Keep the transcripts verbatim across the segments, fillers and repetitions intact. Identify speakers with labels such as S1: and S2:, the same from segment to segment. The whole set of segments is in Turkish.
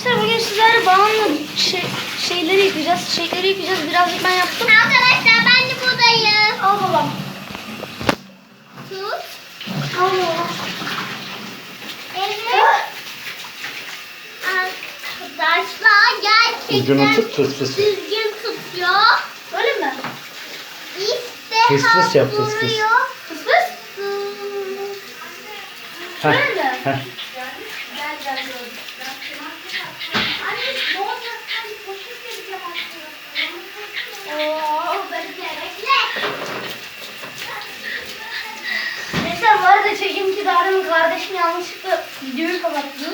S1: Gençler bugün sizlerle balonla şey, şeyleri yıkayacağız. Çiçekleri yıkayacağız. Birazcık ben yaptım.
S2: Arkadaşlar ben de buradayım.
S1: Al babam.
S2: Tut.
S1: Al babam.
S2: Evet. Arkadaşlar gerçekten
S3: Ucunu tut, fıs fıs.
S2: düzgün tutuyor.
S1: Öyle mi?
S2: İşte
S3: Fıs fıs yap, fıs fıs.
S2: vuruyor.
S1: Fıs fıs.
S3: Heh,
S1: Öyle mi?
S3: heh.
S1: Gel gel gel. Oo, bekle bekle. Gençler bu arada çekeyim ki Darı'nın kardeşim yanlışlıkla videoyu kapattı.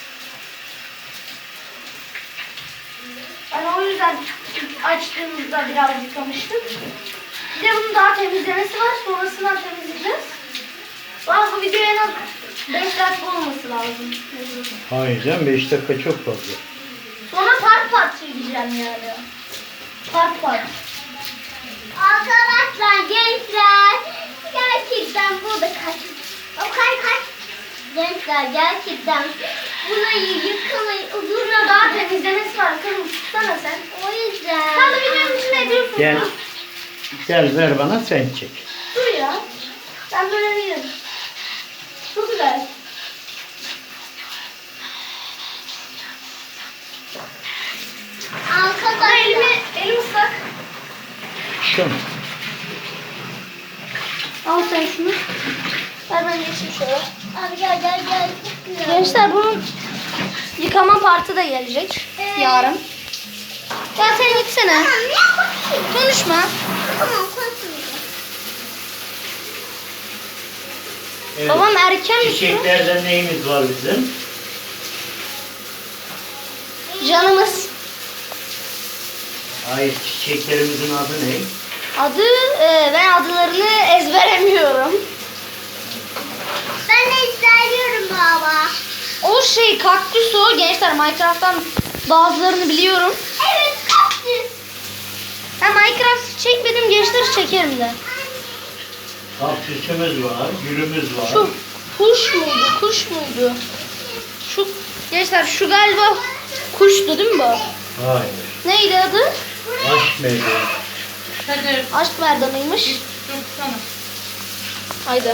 S1: Ben o yüzden ilk açtığımızda biraz yıkamıştım. Bir de bunun daha temizlemesi var. Sonrasından temizleyeceğiz. Bana bu video en az beş dakika olması lazım.
S3: Hayır canım, beş dakika çok fazla.
S1: Sonra part part çekeceğim yani. Part part.
S2: Arkadaşlar gençler gerçekten burada kaç. O kaç kaç. Gençler gerçekten burayı yıkamayı
S1: Buna daha temizlemesi var. Kızım tutsana sen.
S2: o yüzden.
S1: Sen de videonun içine ediyorsun.
S3: Gel, gel ver bana, sen çek.
S1: Dur ya. Ben böyle değilim. Çok güzel. Ama
S2: Arkadaşlar.
S1: elimi, elim ıslak.
S3: Şunu.
S1: Al sen şunu. Ver ben geçeyim şöyle.
S2: Abi gel gel gel. Çok güzel.
S1: Gençler bunun yıkama partı da gelecek
S2: Evet.
S1: yarın. Ya sen gitsene.
S2: Tamam ne bakayım.
S1: Konuşma.
S2: Tamam konuşmayacağım.
S3: Evet.
S1: Babam erken mi?
S3: Çiçeklerden neyimiz var bizim?
S1: Canımız.
S3: Hayır, çiçeklerimizin adı ne?
S1: Adı e, ben adlarını ezberemiyorum.
S2: Ben de istiyorum baba.
S1: O şey kaktüs o. Gençler Minecraft'tan bazılarını biliyorum.
S2: Evet kaktüs.
S1: Ben Minecraft çekmedim, gençler çekerim de.
S3: Kaktüsümüz var, gülümüz var.
S1: Şu kuş muydu? Kuş muydu? Şu gençler şu galiba kuştu değil mi bu?
S3: Hayır.
S1: Neydi adı?
S3: Aşk meyvesi.
S1: Aşk merdanıymış. Haydi.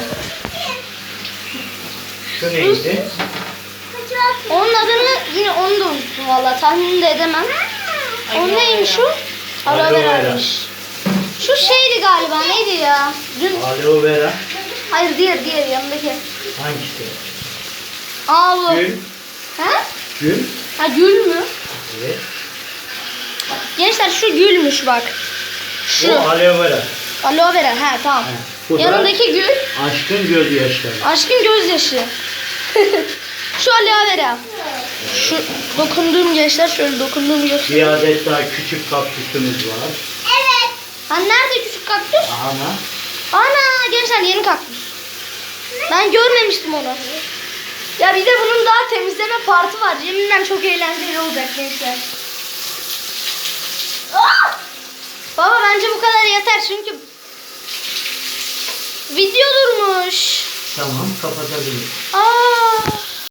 S3: Şu neydi?
S1: Onun adını yine onu da unuttum valla. Tahmin de edemem. O neymiş o? Aloe
S3: Aloe vera.
S1: vera'ymış. Şu şeydi galiba, neydi ya? Dün
S3: Aloe vera.
S1: hayır diğer diğer yanındaki.
S3: Hangisi?
S1: Aa bu.
S3: Gül.
S1: Ha?
S3: Gül.
S1: Ha gül mü?
S3: Evet.
S1: Gençler şu gülmüş bak.
S3: Bu
S1: Şu.
S3: aloe vera.
S1: Aloe vera. Ha tamam.
S3: He, bu da
S1: Yanındaki gül.
S3: aşkın gözyaşları.
S1: Aşkın gözyaşı. Şu aloe vera. Şu dokunduğum gençler şöyle dokunduğum göster.
S3: Bir adet daha küçük kaktüsümüz var.
S2: Evet.
S1: Ha nerede küçük kaktüs?
S3: Ana.
S1: Ana gençler yeni kaktüs. Ben görmemiştim onu. Ya bir de bunun daha temizleme partı var. Yeminle çok eğlenceli olacak gençler. Ah! Baba bence bu kadar yeter çünkü video durmuş.
S3: Tamam, kapatabiliriz.
S1: Aa!